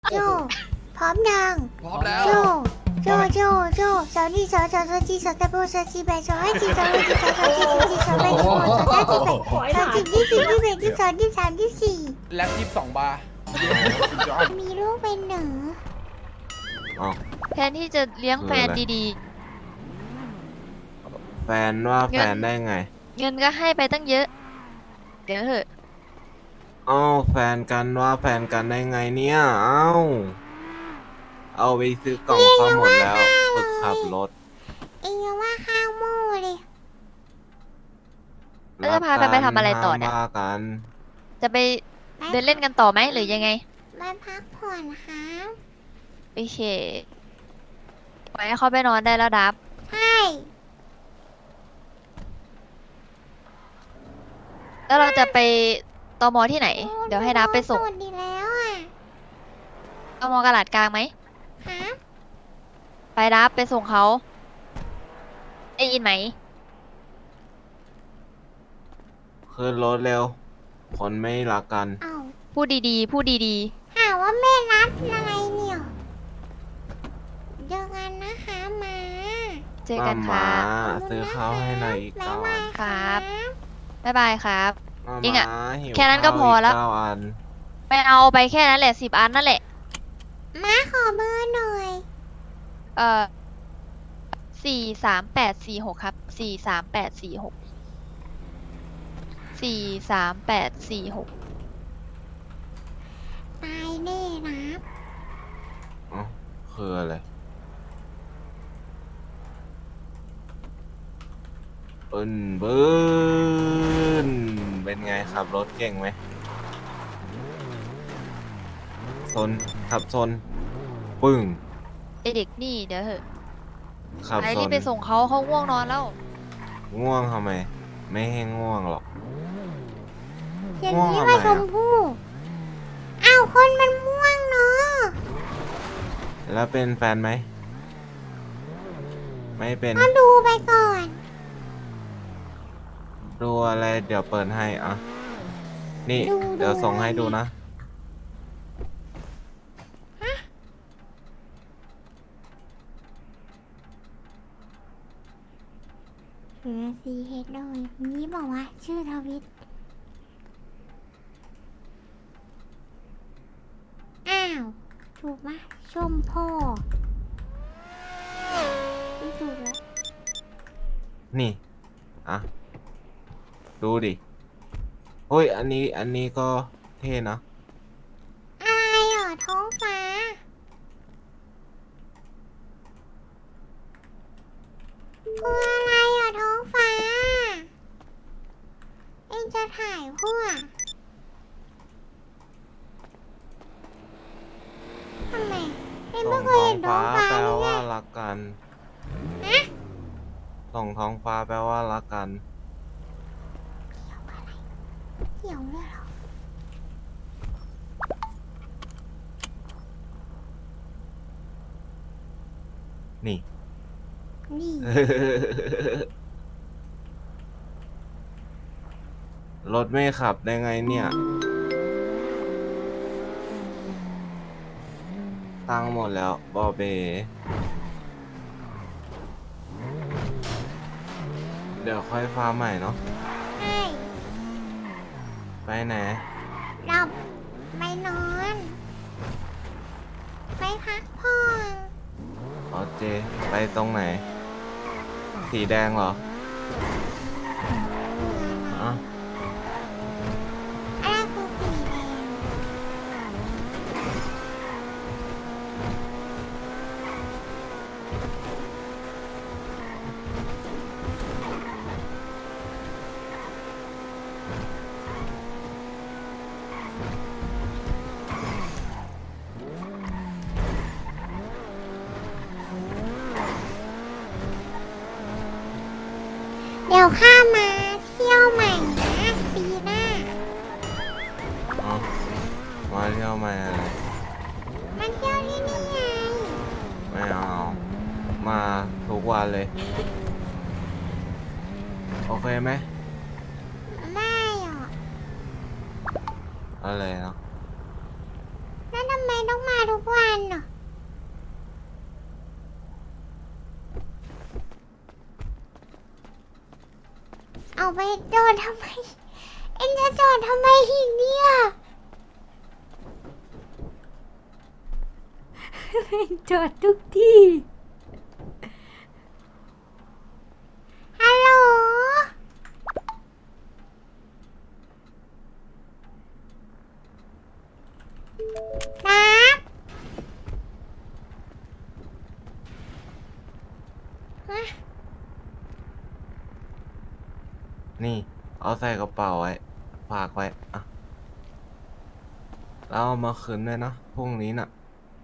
โจพร้อมยังพร้อมแล้วโจสาวนี่สาวจีสาวตะโบสาวจีแบสาวให้จีสาวให้จีสาวจีสาวแบสาวสาวจีแบสาวจีที่สี่ที่แบที่สองที่สามที่สี่แล็บ22 บาร์มีลูกเป็นหนึ่งอ๋อแทนที่จะเลี้ยงแฟนดีแฟนว่าแฟนได้ไงๆ เงินก็ให้ไปตั้งเยอะ เดี๋ยวเถอะเอ้าแฟนกันว่าแฟนกันได้ไงเนี่ยเอ้าเอาไปซื้อกล่องข้าวหมดแล้วฝึกขับรถเองว่าข้าวโม่เลยแล้วจะพากันไปทำอะไรต่อเนี่ยห้ามว่ากันจะไปเดินเล่นกันต่อไหมหรือยังไงมาพักผ่อนครับโอเคปล่อยให้เขาไปนอนได้แล้วดับใช่แล้วเราจะไปตมที่ไหน เดี๋ยวให้ดับไปส่งโดดดีแล้วอ่ะตมกลาดกลางไหมครับไปดับไปส่งเขาได้ยินไหมขึ้นรถเร็ว คนไม่รักกันเอ้าพูดดีๆ พูดดีหาว่าแม่รัดอะไรเนี่ยเจอกันนะคะมาๆ เจอกันค่ะมาซื้อข้าวให้หน่อยอีกบ๊ายเก้าบาอัยนครับครับบ๊ายบายครับมาจริงอะหิวแค่นั้นก็พอแล้วข้าอีกเก้าอันไปเอาไปแค่นั้นแหละ10 อันนั่นแหละมาขอเบอร์หน่อย 43846ครับ43846 43846 ตายแน่นะอ๋อคืออะไรเบิ้นเป็นไงขับรถเก่งไหมซนขับซนปึ้งไอเด็กนี่เดี๋ยวเถอะขับไปซรีบนไปส่งเขาง่วงนอนแล้วง่วงทำไม ไม่ให้ง่วงหรอกอย่างง่วงนี้ทำไมว่าอะชมพู่อ้าวคนมันม่วงเนาะแล้วเป็นแฟนไหม ไม่เป็นก็ดูไปก่อนดูอะไรเดี๋ยวเปิดให้อ่ะ นี่ดูเดี๋ยวส่งให้ดูดูนะเหลือซีเฮดเลยนี้บอกว่าชื่อทวิตอ้าวถูกไหมชมพ่อไม่ถูกแล้วนี่ อ่ะ ดูดิโอ้ย อันนี้ก็เท่นะอะไรเหรอท้องฟ้าคืออะไรเหรอท้องฟ้า เอ็งจะถ่ายพวกทำไมเอ็งส่ไม่งเคยท้อเห็งนท้อฟ้างฟ้าแปลเลยว่าไงรักกันฮะส่งท้องฟ้าแปลว่ารักกันเกี่ยวเลยเหรอนี่นี่รถไม่ขับได้ไงเนี่ย ตังค์หมดแล้วบอเบ เดี๋ยวค่อยฟ้าใหม่เนาะใช่ไปไหนเราไปนอน ไปพักผ่อนอ๋อเจ ไปตรงไหน สีแดงเหรออ๋ออะไรคือสีแดง เดี๋ยวข้ามาเที่ยวใหม่นะปีหน้าอ๋อ มาเที่ยวมาอะไรมาเที่ยวที่นี่ไงไม่เอา มาทุกวันเลย โอเคไหมไม่หรอกอะไรเนาะแล้วทำไมต้องมาทุกเอาไปจอดทำไม เอ็งจะจอดทำไมอีกเนี่ยจอดทุกที่ฮัลโหลนะฮะนี่ เอาใส่กระเป๋าไว้ ฝากไว้อะแล้วเอามาคืนด้วยนะพรุ่งนี้น่ะ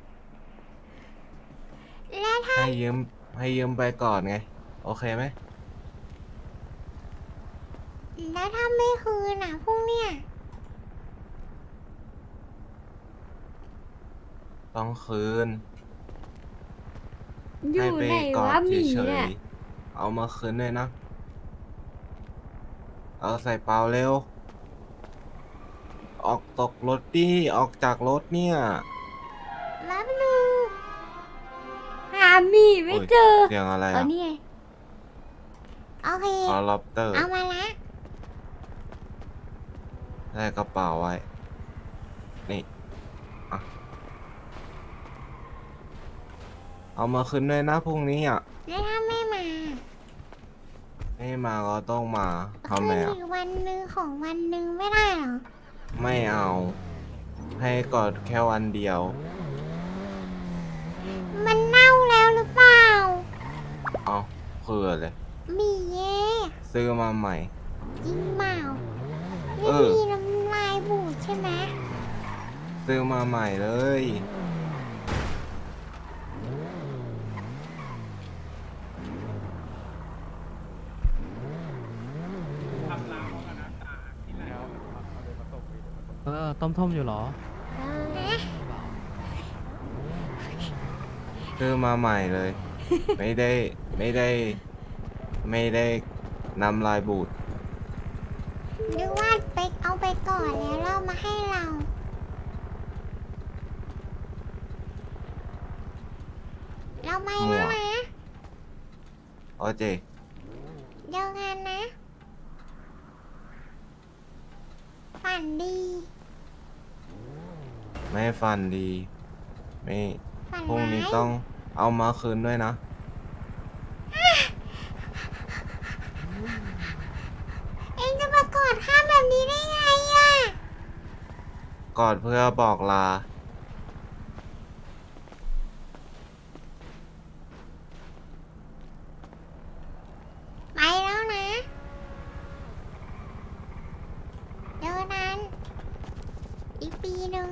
แล้วถ้าให้ยืมไปก่อนไง โอเคไหมแล้วถ้าไม่คืนอ่ะพรุ่งเนี้ยต้องคืนอยู่ให้ไปไหนกอวะดหมีเฉเนี่ยยๆเอามาคืนด้วยนะ เอาใส่เปล่าเร็ว ออกตกรถดิออกจากรถเนี่ยรับดูหาหมีไม่เจอเสียงอะไรเอาอ่ะนี่ไงโอเคคอลอปเตอร์เอามาละใส่กระเป๋าไว้ นี่อ่ะเอามาคืนด้วยนะพรุ่งนี้อ่ะแล้วถ้าไม่มาไม่มาก็ต้องมาคืทำไมนอ่ะอีกวันหนึ่งของวันหนึ่งไม่ได้เหรอไม่เอา ให้กอดแค่วันเดียวมันเน่าแล้วหรือเปล่าเอาคืออะไรหมีเย่ซื้อมาใหม่จริงเปล่าเอไม่อมีน้ำลายบูดใช่ไหมซื้อมาใหม่เลยต้มอยู่เหรอฮะซื้อมาใหม่เลย ไม่ได้นำลายบูดนึกว่าไปเอาไปก่อนแล้วเรามาให้เรา เราไม่แล้วนะโอเจเจอกันนะ ฝันดีไม่ฟันดี ไม่ฝันพรุ่งร้านี้ยต้องเอามาคืนด้วยนะเอ็งจะมากอดข้าแบบนี้ได้ไงอ่ะกอดเพื่อบอกลาไปแล้วนะ เจอนั้น อีกปีหนึ่ง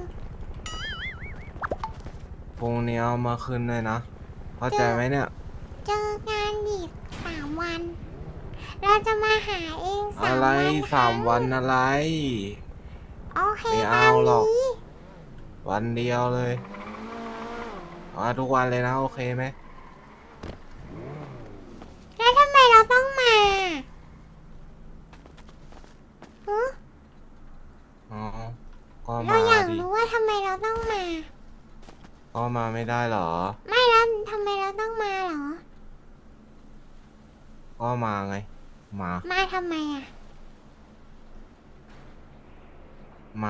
พรุ่งนี้เอามาคืนด้วยนะ เข้าใจไหมเนี่ยเจอกันอีก3 วัน เราจะมาหาเอง3 อะไรวัน 3 วันอะไรโอเคไม่ตาเอามหรอกนี้วันเดียวเลยมาทุกวันเลยนะ โอเคไหมแล้วทำไมเราต้องมาฮะอ๋อ ก็เรามาอยากดิรู้ว่าทำไมเราต้องมาก็มาไม่ได้เหรอไม่แล้วทำไมเราต้องมาเหรอก็มาไง มามาทำไมอ่ะมา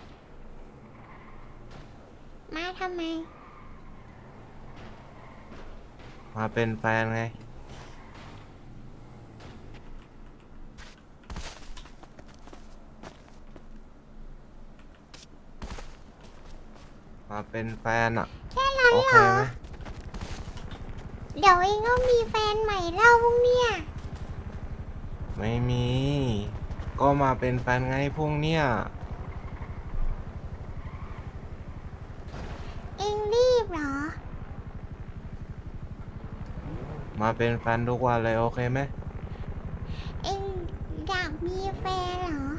มาทำไมมาเป็นแฟนไง มาเป็นแฟนอ่ะแค่นั้นโอเหเครอไหมเดี๋ยวเองก็มีแฟนใหม่แล้วพวกเนี่ยไม่มี ก็มาเป็นแฟนไงพวกเนี้ยเองรีบเหรอมาเป็นแฟนทุกวันเลยโอเคไหมเองอยากมีแฟนเหรอ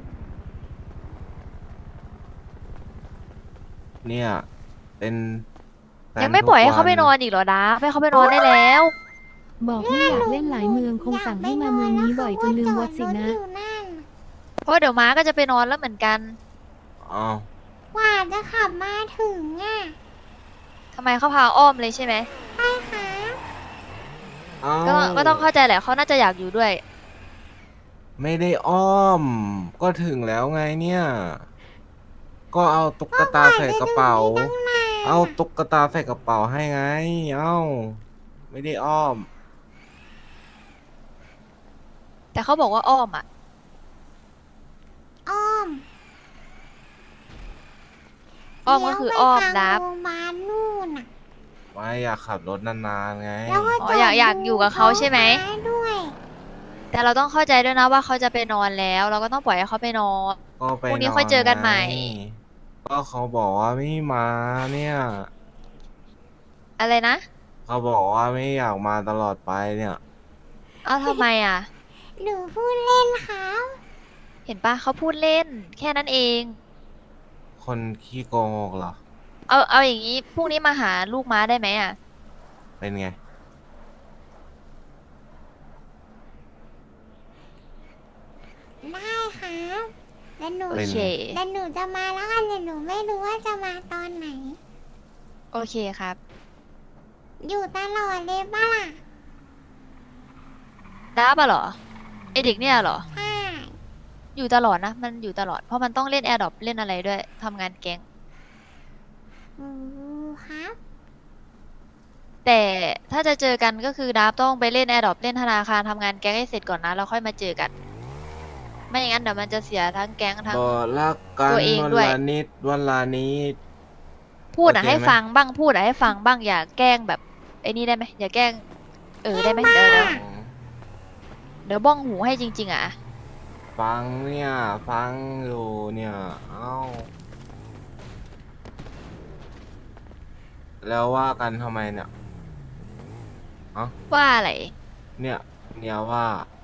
เนี่ยเป็นแฟนยังไม่ปล่อยให้ทุกเขาไปนอนอีกเหรอดาให้เขาไปนอนได้แล้วบอกไม่อยากเล่นหลายเมืองคงสั่งให้มาเมืองนี้บ่อยจนลืมวัดสินะอยากไปนอนแล้วเขาก็จอดรถอยู่นั่นเพราะเดี๋ยวม้าก็จะไปนอนแล้วเหมือนกันอ้าวกว่าจะขับมาถึงอ่ะทำไมเขาพาอ้อมเลยใช่ไหมใช่ค่ะอ้าวก็ต้องเข้าใจแหละเขาน่าจะอยากอยู่ด้วยไม่ได้อ้อม ก็ถึงแล้วไงเนี่ย ก็เอาตุ๊กตาใส่กระเป๋า เอาตุ๊กตาใส่กระเป๋าให้ไง เอ้า ไม่ได้อ้อมแต่เขาบอกว่าอ้อมอ่ะอ้อมอ้อมก็คืออ้อมเลี้ยวไปดัทางบโรงพยาบาลนู่นน่ะไม่อยากขับรถนานๆไงแล้วก็อ๋ออยากอยู่กับเขาใช่ไหมท้องฟ้าด้วยแต่เราต้องเข้าใจด้วยนะว่าเขาจะไปนอนแล้ว เราก็ต้องปล่อยให้เขาไปนอนก็ไปพรุ่งนี้ค่อยเจอกันใหม่ไงก็เขาบอกว่าไม่มาเนี่ยอะไรนะเขาบอกว่าไม่อยากมาตลอดไปเนี่ยเอ้าทำไมอ่ะหนูพูดเล่นครับเห็นปะเขาพูดเล่น แค่นั้นเองคนขี้โกงเหรอเอาอย่างนี้พรุ่งนี้มาหาลูกม้าได้ไหมอ่ะเป็นไงได้ครับแล้วหนูโอเป็นเคไงแล้วหนูจะมาแล้วกันแต่หนูไม่รู้ว่าจะมาตอนไหนโอเคครับอยู่ตลอดเลยป่ะล่ะดับอะเหรอไอเด็กเนี่ยเหรอใช่อยู่ตลอดนะ มันอยู่ตลอด เพราะมันต้องเล่นแอร์ดรอปเล่นอะไรด้วยทำงานแก๊งอืมครับแต่ถ้าจะเจอกันก็คือดับต้องไปเล่นแอร์ดรอปเล่นธนาคารทำงานแก๊งให้เสร็จก่อนนะแล้วค่อยมาเจอกัน ไม่อย่างนั้นเดี๋ยวมันจะเสียทั้งแก๊งทั้งบอกรักกันตัวเองวันด้วยละนิดวันละนิดพูดอะโอเคให้ไหมฟังบ้างพูดอะให้ฟังบ้างอย่าแกล้งแบบไอ้นี่ได้ไหมอย่าแกล้งได้ไหมเดี๋ยวบ้องหูให้จริง ๆอะฟังเนี่ย ฟังอยู่เนี่ย เอ้า แล้วว่ากันทำไมเนี่ยว่าอะไรเนี่ยว่า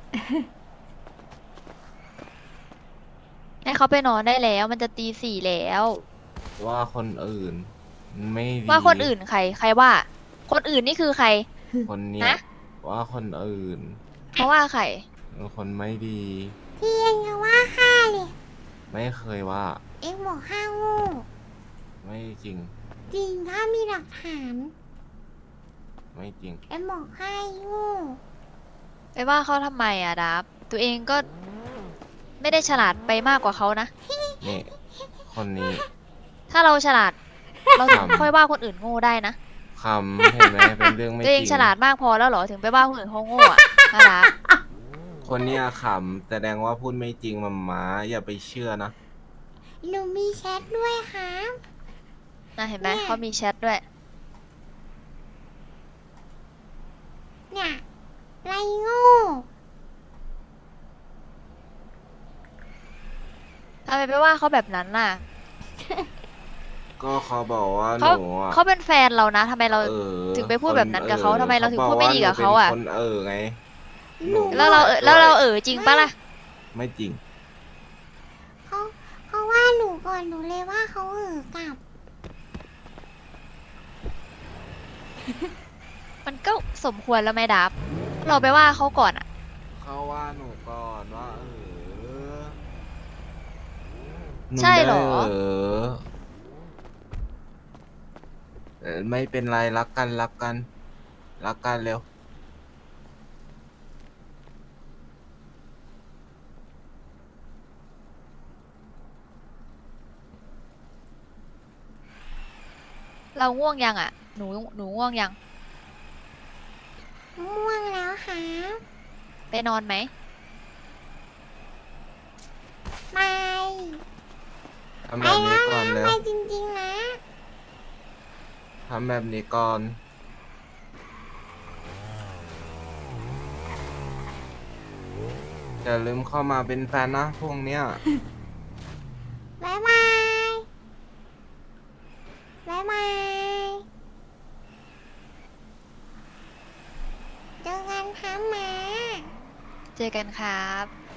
ให้เขาไปนอนได้แล้วมันจะตี 4แล้วว่าคนอื่น ไม่ดีว่าคนอื่นใครว่า คนอื่นนี่คือใครคนเนี่ยนะว่าคนอื่นเพราะว่าใครเป็นคนไม่ดีพี่เองยังว่าข้าเลยไม่เคยว่าเองบอกข้าโง่ไม่จริงจริงถ้ามีหลักฐานไม่จริงเองบอกข้าโง่ไปว่าเขาทำไมอะดับตัวเองก็ไม่ได้ฉลาดไปมากกว่าเขานะนี่ คนนี้ถ้าเราฉลาด เราถึงครับค่อยว่าคนอื่นโง่ได้นะคำเห็นไหมเป็นเรื่องไม่ตัวเองจริงฉลาดมากพอแล้วเหรอถึงไปว่าคนอื่นเขาโง่อะน่ารักคนเนี้ยขำแสดงว่าพูดไม่จริงมาม้าอย่าไปเชื่อนะหนูมีแชทด้วยครับนะเห็นไหมเนี่ยเขามีแชทด้วยเนี่ยไรโง่ทำไมไปว่าเขาแบบนั้นน่ะก็เขาบอกว่าหเขานูอ่ะเขาเป็นแฟนเรานะทำไมเรา ถึงไปพูดแบบนั้นกับเขาทำไมเราถึงพูดไม่ดีกับเขาอะคนไงหนูแล้วเราจริงปะล่ะไม่จริงเขาว่าหนูก่อนหนูเลยว่าเขากลับมันก็สมควรแล้วไหมดับ เราไปว่าเขาก่อนอะเขาว่าหนูก่อนว่านูใช่เหรอได้ไม่เป็นไรรักกันรักกันเร็วเราง่วงยังอะหนูง่วงยังม่วงแล้วครับไปนอนไหมไปทำไปแบบนี้แล้วก่อนนะเร็ไปวจริงๆนะทำแบบนี้ก่อนอย่าลืมเข้ามาเป็นแฟนนะพวกเนี้ยบ๊ายบาย บ๊ายบาย เจอกันครับหมาเจอกันครับ